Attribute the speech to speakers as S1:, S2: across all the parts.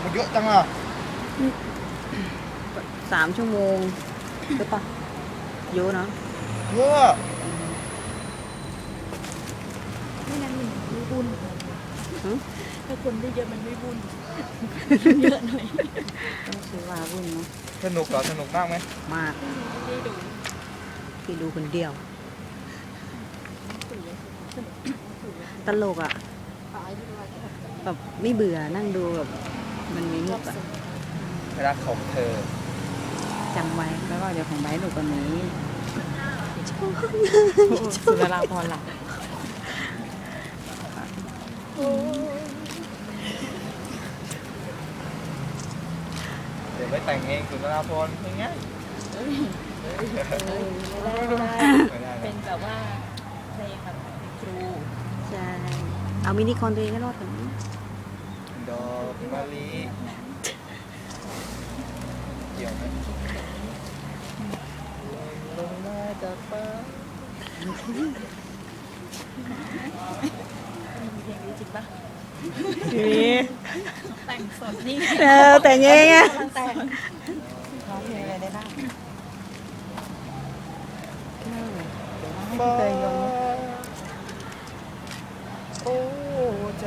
S1: เยอะจังอ่ะ
S2: 3 ชั่วโมงหรือเปล่าเยอะเนาะ
S1: เยอะ
S3: ไม่งั้นมันไม่บุญ
S2: หึ
S3: ถ้าคนได้เยอะมันไม่บุญเยอะหน่อย
S2: ต้องซื้อวาวุ่นเนาะ
S1: สนุกเหรอสนุกมากไหม
S2: มาก
S3: ได้ดู
S2: พี่ดูคนเดียว ตลกอ่ะแบบไม่เบื่อนั่งดูแบบมันมีมุกอ่ะ
S1: รักของเธอ
S2: จำไว้
S4: แล้วก็เดี๋ยวของไบร์ทหนูกว่านี้สุดาราพรหลัก
S1: เดี๋ยวไปแต่งเองสุนทราภรณ์ง่าย
S3: ไม่ได้
S1: ๆไม่ได้
S3: เป็น
S1: นะ
S3: แบบว่าเพลงแบบครู
S2: ใช่ เอามินิคอนตัวเองก็รอดถึง
S1: ดอกมะลิเกี่ยวไหมลงมาจากฟ้า
S3: เพลงนี้จริงปะ
S2: นี่
S3: แต่งสดนี่
S2: แต่งเองอ่ะ
S3: แต่ง
S4: ร้องเพลงอะไรได้บ้าง
S1: ฟ้าโอ้ใจ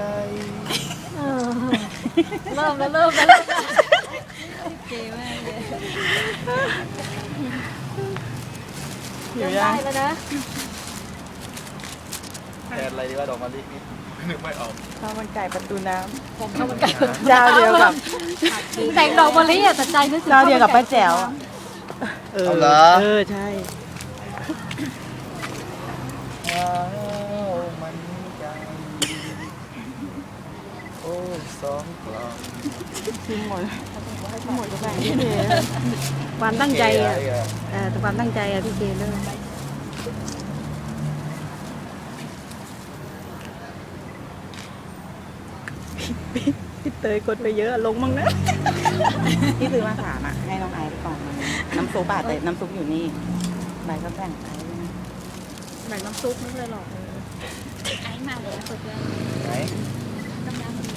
S3: เริ่มแล้วเก๋มากเลย
S4: อยู่
S3: ได้
S4: ยัง
S3: แล้วนะ
S1: แทนอะไรดีว่าดอกมะลินี่นึกไม่ออก
S4: ข้าวมันไก่ประตูน้
S3: ผมข้าวมันไก่
S4: ำเจ้าเดียวกับ
S3: แต่งดอกมะลิอ่ะแต่ใจนึกถึง
S4: เจ้าเดียวกับป้าแจ๋ว
S1: เอาเหรอ
S2: ใช่
S1: ว้าวมันใจโอ้สองกล่อง
S4: ชิมหมดหมดก็แบ่งที่เท
S2: ความตั้งใจอ่ะ
S1: เก๋อะไร
S2: แต่ความตั้งใจอ่ะพี่เจนด้วย พี่เตยกดไปเยอะลงมั้งนะ
S4: ที่ซื้อมา3อ่ะให้น้องไอซ์ไปก่อนน้ำซุปอ่ะแต่น้ำซุปอยู่นี่ใบก็แบ่งไอซ์ด้วยนะ
S3: แบ่งน้ำซุปไม่เลยหรอกไอ้มาเลยนะเพื่อน
S1: ไหน
S3: น้ำ